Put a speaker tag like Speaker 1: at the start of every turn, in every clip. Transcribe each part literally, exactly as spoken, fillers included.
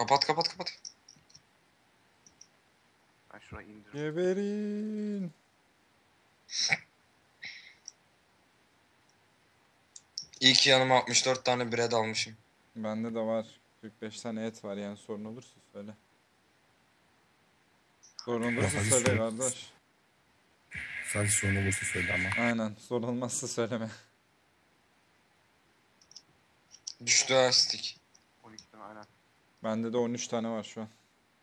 Speaker 1: Kapat kapat kapat.
Speaker 2: Ben şurayı indiririm.
Speaker 3: Geberin.
Speaker 1: İyi ki yanıma altmış dört tane bread almışım.
Speaker 3: Bende de var. kırk beş tane et var yani sorun olursa söyle. Sorun olursa
Speaker 4: hadi
Speaker 3: söyle
Speaker 4: söyle.
Speaker 3: kardeş.
Speaker 4: Sadece sorun olursa söyle ama.
Speaker 3: Aynen sorun olmazsa söyleme.
Speaker 1: Düştü ha stick.
Speaker 2: on iki tane aynen.
Speaker 3: Bende de on üç tane var şu an.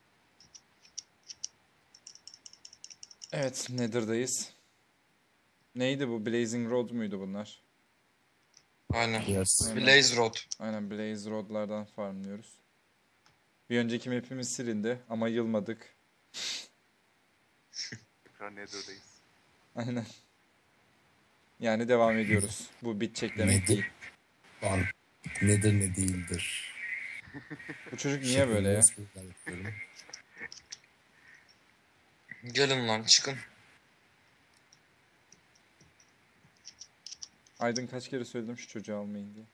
Speaker 3: Evet Nether'dayız. Neydi bu? Blazing Road muydu bunlar?
Speaker 1: Aynen.
Speaker 4: Yes.
Speaker 3: Aynen.
Speaker 1: Blaze Road.
Speaker 3: Aynen Blaze Road'lardan farmlıyoruz. Bir önceki map'imiz silindi ama yılmadık.
Speaker 2: Tekrar Nether'dayız.
Speaker 3: Aynen. Yani devam ediyoruz. Bu bitecek demek
Speaker 4: Nedir?
Speaker 3: değil.
Speaker 4: Lan nedir ne değildir.
Speaker 3: Bu çocuk niye böyle ya?
Speaker 4: Espriler yapıyorum.
Speaker 1: Gelin lan çıkın.
Speaker 3: Aydın kaç kere söyledim şu çocuğu almayın diye.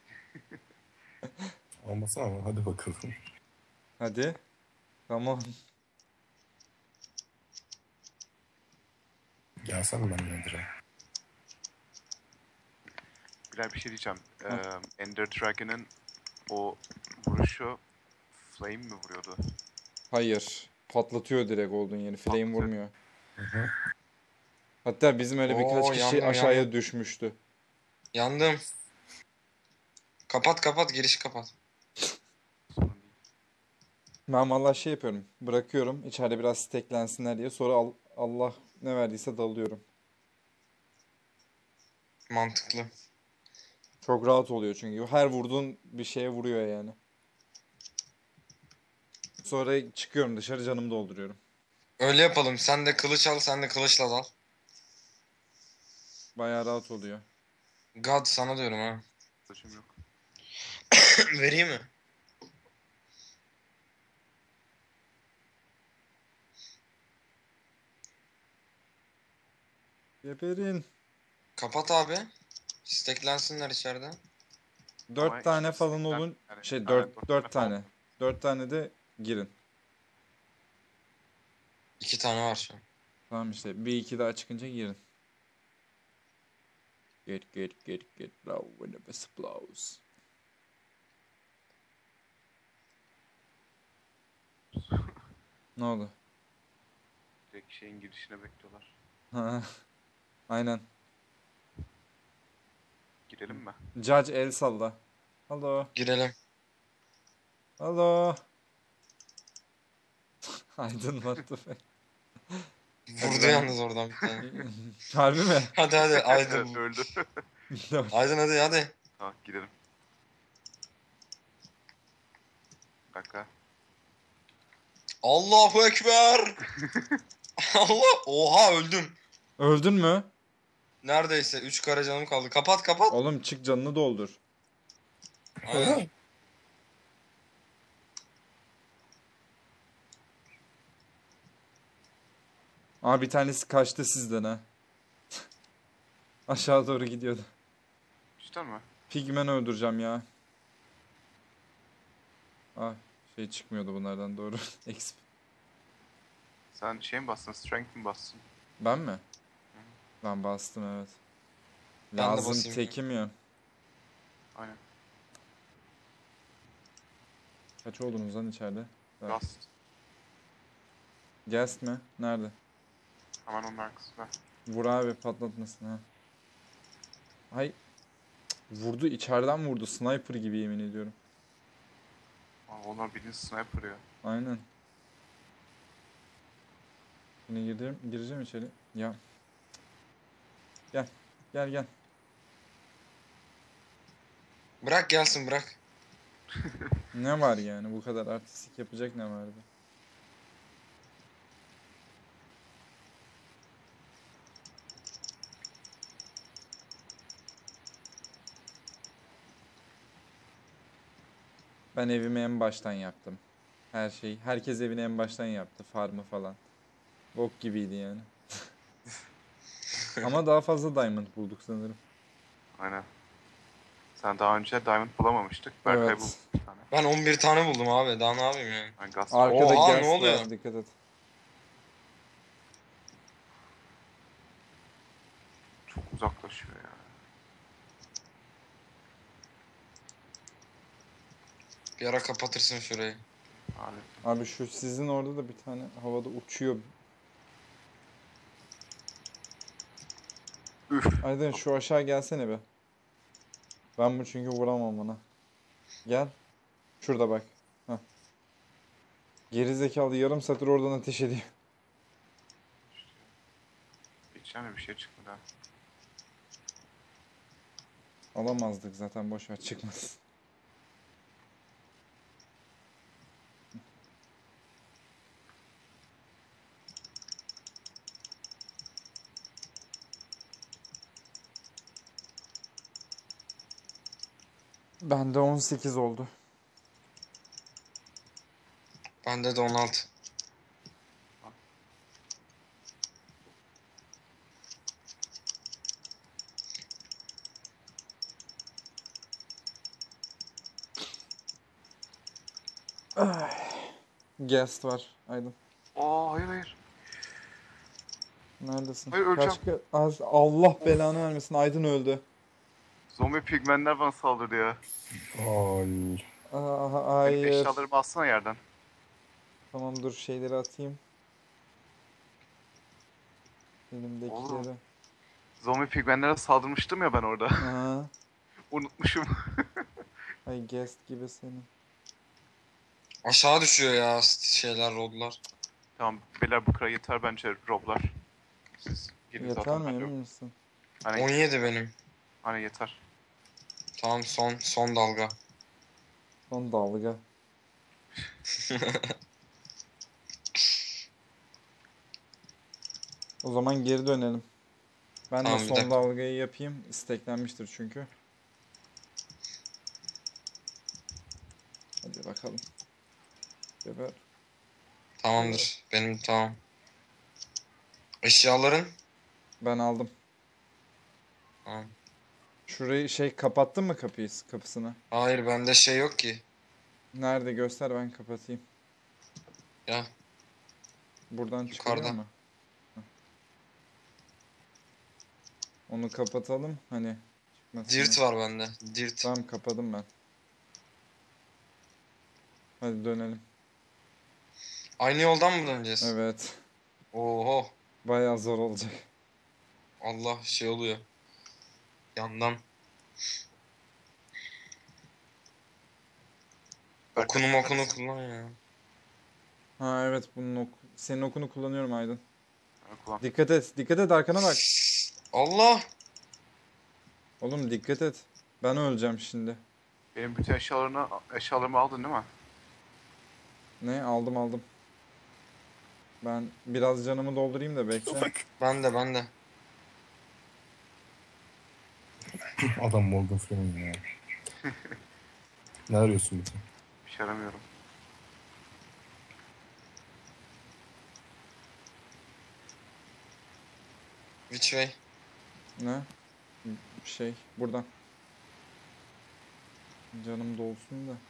Speaker 4: Olmasın ama hadi bakalım.
Speaker 3: Hadi. Tamam.
Speaker 4: Gelsene ben nedir'e.
Speaker 2: Bilal bir şey diyeceğim. Ee, Ender Dragon'ın o vuruşu flame mi vuruyordu?
Speaker 3: Hayır. Patlatıyor direkt olduğun yeri. Flame
Speaker 2: Patlatıyor.
Speaker 3: vurmuyor.
Speaker 4: Hı hı.
Speaker 3: Hatta bizim öyle birkaç
Speaker 1: Oo,
Speaker 3: kişi
Speaker 1: yandım,
Speaker 3: aşağıya
Speaker 1: yandım.
Speaker 3: düşmüştü.
Speaker 1: Yandım. Kapat kapat girişi kapat.
Speaker 2: Sorun değil.
Speaker 3: Ben vallahi şey yapıyorum. Bırakıyorum. İçeride biraz steklensinler diye. Sonra al- Allah ne verdiyse dalıyorum.
Speaker 1: Mantıklı.
Speaker 3: Çok rahat oluyor çünkü. Her vurduğun bir şeye vuruyor yani. Sonra çıkıyorum dışarı canımı dolduruyorum.
Speaker 1: Öyle yapalım. Sen de kılıç al, sen de kılıçla dal.
Speaker 3: Bayağı rahat oluyor.
Speaker 1: God sana diyorum ha.
Speaker 2: Saçım yok.
Speaker 1: Vereyim mi?
Speaker 3: Geberin.
Speaker 1: Kapat abi. Steklensinler içeride.
Speaker 3: Dört
Speaker 2: Ama
Speaker 3: tane
Speaker 2: işte
Speaker 3: falan
Speaker 2: stekler-
Speaker 3: olun.
Speaker 2: yani-
Speaker 3: Şey
Speaker 2: aynen,
Speaker 3: dört, dört
Speaker 2: falan.
Speaker 3: tane. Dört tane de girin.
Speaker 1: İki tane var şu an.
Speaker 3: Tamam işte. Bir iki daha çıkınca girin. Get get get get low when the best blows. Ne oldu?
Speaker 2: Direkt şeyin girişine bekliyorlar.
Speaker 3: Ha, aynen.
Speaker 2: Girelim mi?
Speaker 3: Judge el salla. Hello.
Speaker 1: Girelim.
Speaker 3: Hello. Aydın what the fuck?
Speaker 1: Vurdu
Speaker 3: ben-
Speaker 1: yalnız oradan bir tane.
Speaker 3: Harbi mi?
Speaker 1: Hadi hadi Aydın.
Speaker 2: Evet, öldü.
Speaker 1: Aydın hadi hadi.
Speaker 2: Tamam girelim. Bir dakika.
Speaker 1: Allahu Ekber. Allah. Oha öldüm.
Speaker 3: Öldün mü?
Speaker 1: Neredeyse üç kare canım kaldı. Kapat kapat.
Speaker 3: Oğlum çık canını doldur.
Speaker 1: Aynen.
Speaker 3: Aa bir tanesi kaçtı sizden ha. Aşağı doğru gidiyordu.
Speaker 2: Cidden mi?
Speaker 3: Pigmen öldüreceğim ya. Ah şey çıkmıyordu bunlardan doğru. Exp.
Speaker 2: Sen şey mi bastın? Strength mi bastın?
Speaker 3: Ben mi? Ben bastım evet.
Speaker 1: Ben de
Speaker 3: Lazım
Speaker 1: basayım.
Speaker 3: tekim ya.
Speaker 2: Aynen.
Speaker 3: Kaç oldunuz lan içeride? Evet.
Speaker 2: Rust.
Speaker 3: Guest mi? Nerede?
Speaker 2: Hemen onun arkasında.
Speaker 3: Vur abi patlatmasın ha. Hay. Cık, vurdu içeriden vurdu. Sniper gibi yemin ediyorum.
Speaker 2: Aa, onlar bildiğin sniper ya.
Speaker 3: Aynen. Yine gireceğim, gireceğim içeri. Ya. Gel. Gel gel.
Speaker 1: Bırak gelsin bırak.
Speaker 3: Ne var yani bu kadar artistik yapacak ne vardı? Ben evimi en baştan yaptım. Her şey. Herkes evini en baştan yaptı. Farmı falan. Bok gibiydi yani. Ama daha fazla diamond bulduk sanırım.
Speaker 2: Aynen. Sen daha önce diamond bulamamıştık. Berkay
Speaker 3: Evet.
Speaker 2: buldu bir tane.
Speaker 1: Ben on bir tane buldum abi. Daha ne yapayım yani?
Speaker 2: Ben gaz
Speaker 3: Arkada
Speaker 1: Oha,
Speaker 3: gas
Speaker 1: ne oluyor?
Speaker 3: var, dikkat et.
Speaker 2: çok uzaklaşıyor ya.
Speaker 1: Bir ara kapatırsın şurayı.
Speaker 2: Lanet.
Speaker 3: Abi şu sizin orada da bir tane havada uçuyor.
Speaker 2: Üf.
Speaker 3: Aydın şu aşağı gelsene be. Ben bu çünkü vuramam ona. Gel. Şurada bak. Heh. Geri zekalı yarım satır oradan ateş ediyor.
Speaker 2: Geçeceğim mi bir şey çıkmadı ha.
Speaker 3: Alamazdık zaten, boş ver, çıkmaz. Bende on sekiz oldu.
Speaker 1: Bende de on altı.
Speaker 3: Guest var Aydın.
Speaker 2: Aa hayır hayır.
Speaker 3: Neredesin?
Speaker 2: Hayır, öleceğim.
Speaker 3: Kaç ka- az Allah belanı vermesin, Aydın öldü.
Speaker 2: Zombi pigmenler bana saldırdı ya.
Speaker 4: Ay.
Speaker 3: Aa,
Speaker 2: Benim
Speaker 3: hayır.
Speaker 2: eşyalarımı alsana yerden.
Speaker 3: Tamam dur, şeyleri atayım. Elimdekileri.
Speaker 2: Oğlum. Zombi pigmenlere saldırmıştım ya ben orada.
Speaker 3: Aha.
Speaker 2: Unutmuşum.
Speaker 3: Ay guest gibi senin.
Speaker 1: Aşağı düşüyor ya şeyler, rodlar.
Speaker 2: Tamam beyler bu kadar yeter bence roblar. Siz gidin
Speaker 3: Yeter
Speaker 2: zaten
Speaker 3: mi,
Speaker 2: ben
Speaker 3: emin
Speaker 2: yok.
Speaker 3: misin?
Speaker 2: Hani,
Speaker 1: on yedi benim.
Speaker 2: hani yeter.
Speaker 1: Tamam, son son dalga.
Speaker 3: Son dalga. O zaman geri dönelim. Ben
Speaker 1: Tamam,
Speaker 3: de
Speaker 1: bir
Speaker 3: son
Speaker 1: dakika.
Speaker 3: dalgayı yapayım. İsteklenmiştir çünkü. Hadi bakalım. Geber.
Speaker 1: Tamamdır. Benim tamam. Eşyaların?
Speaker 3: Ben aldım.
Speaker 1: Tamam.
Speaker 3: Şurayı şey, kapattın mı kapıyı, kapısını?
Speaker 1: Hayır, bende şey yok ki.
Speaker 3: Nerede, göster, ben kapatayım.
Speaker 1: Ya
Speaker 3: Buradan çıkıyor
Speaker 1: Yukarıda.
Speaker 3: mu? Heh. Onu kapatalım hani. çıkmasın
Speaker 1: dirt
Speaker 3: diye.
Speaker 1: var bende. Dirt.
Speaker 3: Tamam, kapadım ben. Hadi dönelim.
Speaker 1: Aynı yoldan mı döneceğiz?
Speaker 3: Evet.
Speaker 1: Oho.
Speaker 3: Bayağı zor olacak.
Speaker 1: Allah, şey oluyor. Yandan. Okunu mokunu kullan ya.
Speaker 3: Ha evet, bunun ok senin okunu kullanıyorum Aydın.
Speaker 2: Ha, kullan.
Speaker 3: Dikkat et. Dikkat et, arkana bak.
Speaker 1: Allah.
Speaker 3: Oğlum dikkat et. Ben öleceğim şimdi.
Speaker 2: Benim bütün eşyalarını, eşyalarımı aldın değil mi?
Speaker 3: Ne? Aldım aldım. Ben biraz canımı doldurayım da bekle.
Speaker 1: Ben de ben de.
Speaker 4: Adam Morgan Freeman ya. Ne arıyorsun bir de?
Speaker 2: Bir şey aramıyorum.
Speaker 1: Which way?
Speaker 3: Ne? Şey, buradan. Canım dolsun da.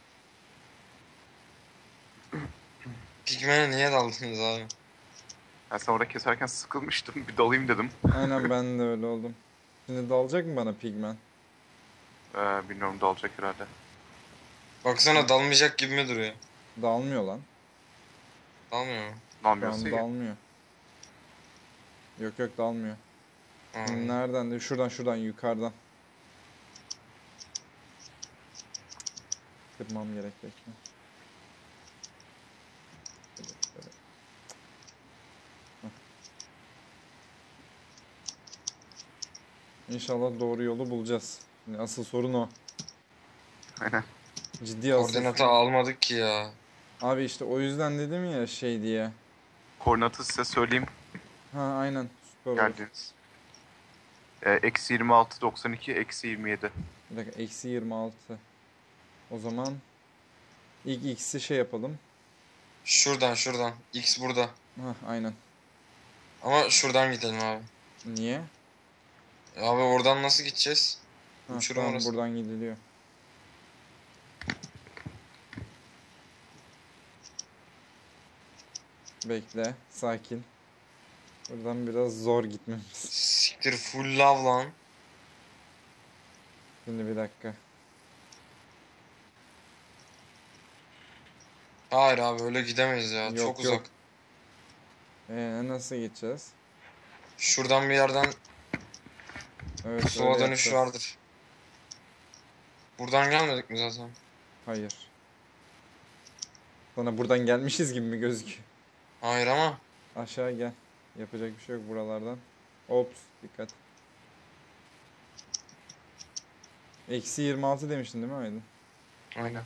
Speaker 1: Pigmen'e niye daldınız abi?
Speaker 2: Ben sen orada keserken sıkılmıştım. Bir dalayım dedim.
Speaker 3: Aynen, ben de öyle oldum. Şimdi dalacak mı bana pigmen?
Speaker 2: Ee, bilmiyorum dalacak herhalde.
Speaker 1: Baksana, dalmayacak gibi mi duruyor?
Speaker 3: Dalmıyor lan.
Speaker 1: Dalmıyor mu?
Speaker 3: Şu an
Speaker 2: Dalmıyorsa iyi.
Speaker 3: dalmıyor. Yok yok, dalmıyor.
Speaker 1: Ha.
Speaker 3: Nereden de? Şuradan şuradan yukarıdan. Kırmam gerek, bekle. Evet, evet. Heh. İnşallah doğru yolu bulacağız. Yani asıl sorun o.
Speaker 2: Aynen.
Speaker 3: Ciddi asıl
Speaker 1: Koordinatı
Speaker 3: sorun.
Speaker 1: almadık ki ya.
Speaker 3: Abi işte o yüzden dedim ya şey diye.
Speaker 2: Koordinatı size söyleyeyim.
Speaker 3: Ha aynen, süper olur.
Speaker 2: Geldiniz. Ee, eksi yirmi altı doksan iki, eksi yirmi yedi.
Speaker 3: Bir dakika, eksi yirmi altı. O zaman ilk x'i şey yapalım.
Speaker 1: Şuradan şuradan. X burada.
Speaker 3: Ha aynen.
Speaker 1: Ama şuradan gidelim abi.
Speaker 3: Niye?
Speaker 1: Abi oradan nasıl gideceğiz?
Speaker 3: Ha,
Speaker 1: Uçurum
Speaker 3: tamam,
Speaker 1: orası.
Speaker 3: buradan gidiliyor. Bekle, sakin. Buradan biraz zor gitmemiz.
Speaker 1: Siktir full lav lan.
Speaker 3: Şimdi bir dakika.
Speaker 1: Hayır abi öyle gidemeyiz ya.
Speaker 3: Yok,
Speaker 1: Çok
Speaker 3: yok.
Speaker 1: uzak.
Speaker 3: Ee, nasıl gideceğiz?
Speaker 1: Şuradan bir yerden
Speaker 3: Evet,
Speaker 1: pusula
Speaker 3: öyle
Speaker 1: dönüş
Speaker 3: yapacağız.
Speaker 1: vardır. Buradan gelmedik mi zaten?
Speaker 3: Hayır. Sana buradan gelmişiz gibi mi gözüküyor?
Speaker 1: Hayır ama.
Speaker 3: Aşağı gel. Yapacak bir şey yok buralardan. Ops, dikkat. Eksi yirmi altı demiştin değil mi Aydın?
Speaker 1: Aynen.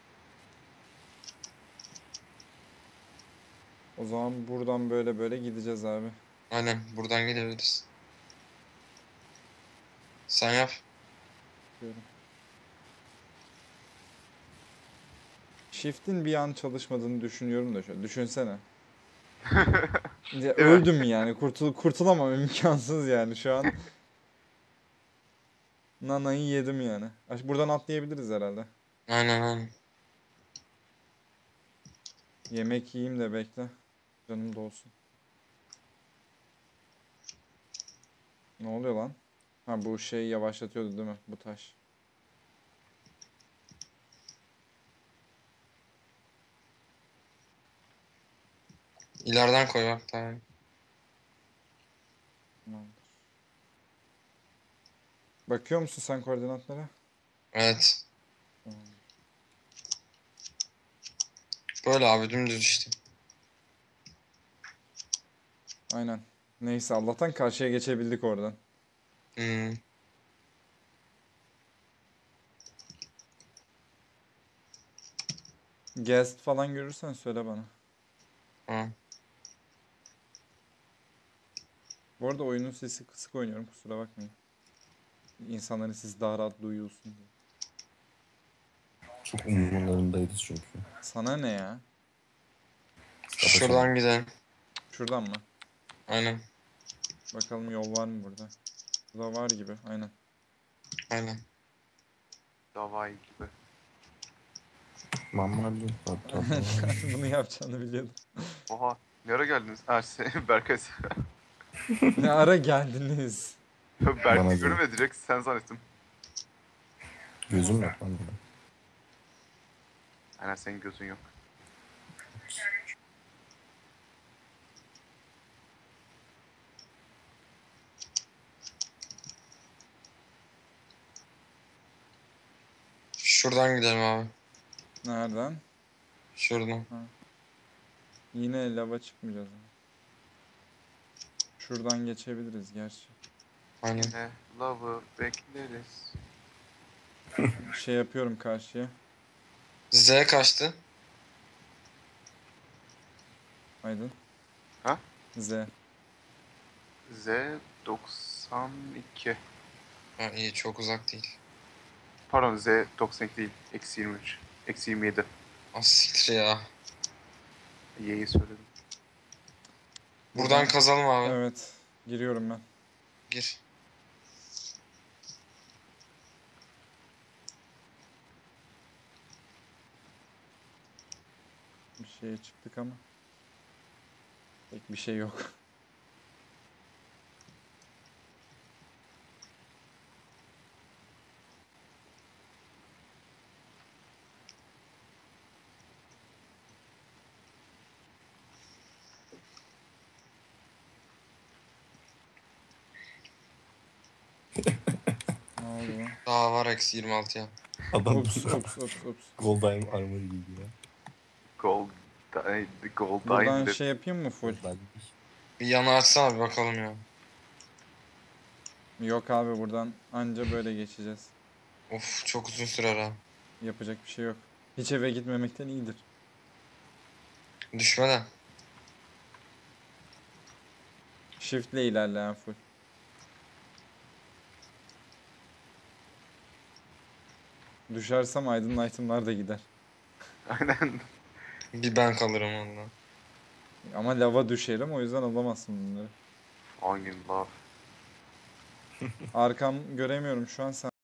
Speaker 3: O zaman buradan böyle böyle gideceğiz abi.
Speaker 1: Aynen buradan gidebiliriz. Sen yap.
Speaker 3: Diyorum. Shift'in bir an çalışmadığını düşünüyorum da şöyle. Düşünsene. Ya, öldüm yani. Kurtul kurtulamam, imkansız yani şu an. Nana'yı yedim yani. Aş- Buradan atlayabiliriz herhalde.
Speaker 1: Aynen aynen.
Speaker 3: Yemek yiyeyim de bekle. Canım dolsun. Ne oluyor lan? Ha, bu şey yavaşlatıyordu değil mi? Bu taş.
Speaker 1: İleriden koy bak tamam.
Speaker 3: Tamamdır. Bakıyor musun sen koordinatlara?
Speaker 1: Evet.
Speaker 3: Tamam.
Speaker 1: Böyle abi dümdüz işte.
Speaker 3: Aynen. Neyse, Allah'tan karşıya geçebildik oradan.
Speaker 1: Hmm.
Speaker 3: Guest falan görürsen söyle bana.
Speaker 1: Ha.
Speaker 3: Bu arada oyunun sesi kısık oynuyorum, kusura bakmayın. İnsanların sesi daha rahat duyulsun diye.
Speaker 4: Çok umurlarındayız çünkü.
Speaker 3: Sana ne ya?
Speaker 1: Şuradan gidelim.
Speaker 3: Şuradan mı?
Speaker 1: Aynen.
Speaker 3: Bakalım yol var mı burada? Burada var gibi, aynen.
Speaker 1: Aynen.
Speaker 2: Davay gibi.
Speaker 4: Mamma bir hatta.
Speaker 3: Bunu yapacağını biliyordum.
Speaker 2: Oha. Ne ara geldiniz? Ha şey, Berkay.
Speaker 3: Ne ara geldiniz?
Speaker 4: Bana
Speaker 2: Berkay
Speaker 4: değil.
Speaker 2: görmedi direkt sen zannettim.
Speaker 4: Gözüm yok lan burada.
Speaker 2: Aynen senin gözün yok.
Speaker 1: Şuradan gidelim abi.
Speaker 3: Nereden?
Speaker 1: Şuradan.
Speaker 3: Yine lava çıkmayacağız. Şuradan geçebiliriz gerçi.
Speaker 1: Aynen.
Speaker 2: Yine love'ı bekleriz.
Speaker 3: Şey yapıyorum karşıya.
Speaker 1: Z kaçtı?
Speaker 3: Aydın.
Speaker 2: Ha?
Speaker 3: Z.
Speaker 2: Z doksan iki.
Speaker 1: Ha, iyi çok uzak değil.
Speaker 2: Pardon Z doksan iki değil. Eksi yirmi üç. Eksi yirmi yedi.
Speaker 1: Az siktir ya.
Speaker 2: Y'yi söyledim.
Speaker 1: Buradan kazalım abi.
Speaker 3: Evet. Giriyorum ben.
Speaker 1: Gir.
Speaker 3: Bir şeye çıktık ama. Pek bir şey yok. Ne oldu lan?
Speaker 1: Daha var eksi yirmi altıya.
Speaker 4: Adam
Speaker 3: Ups ups ups ups.
Speaker 4: Goldheim armor giydi ya.
Speaker 2: Gold, di- gold
Speaker 3: Buradan
Speaker 2: Dine
Speaker 3: şey yapayım mı full?
Speaker 4: Goldheim.
Speaker 1: Bir yana açsana bir bakalım ya.
Speaker 3: Yok abi, buradan anca böyle geçeceğiz.
Speaker 1: Of çok uzun sürer ha.
Speaker 3: Yapacak bir şey yok. Hiç eve gitmemekten iyidir.
Speaker 1: Düşmeden.
Speaker 3: Shift'le ilerleyen full. Düşersem Aydın itemlar da gider.
Speaker 2: Aynen.
Speaker 1: Bir ben kalırım ondan.
Speaker 3: Ama lava düşerim, o yüzden alamazsın bunları.
Speaker 2: Hangi love?
Speaker 3: Arkam göremiyorum şu an, sen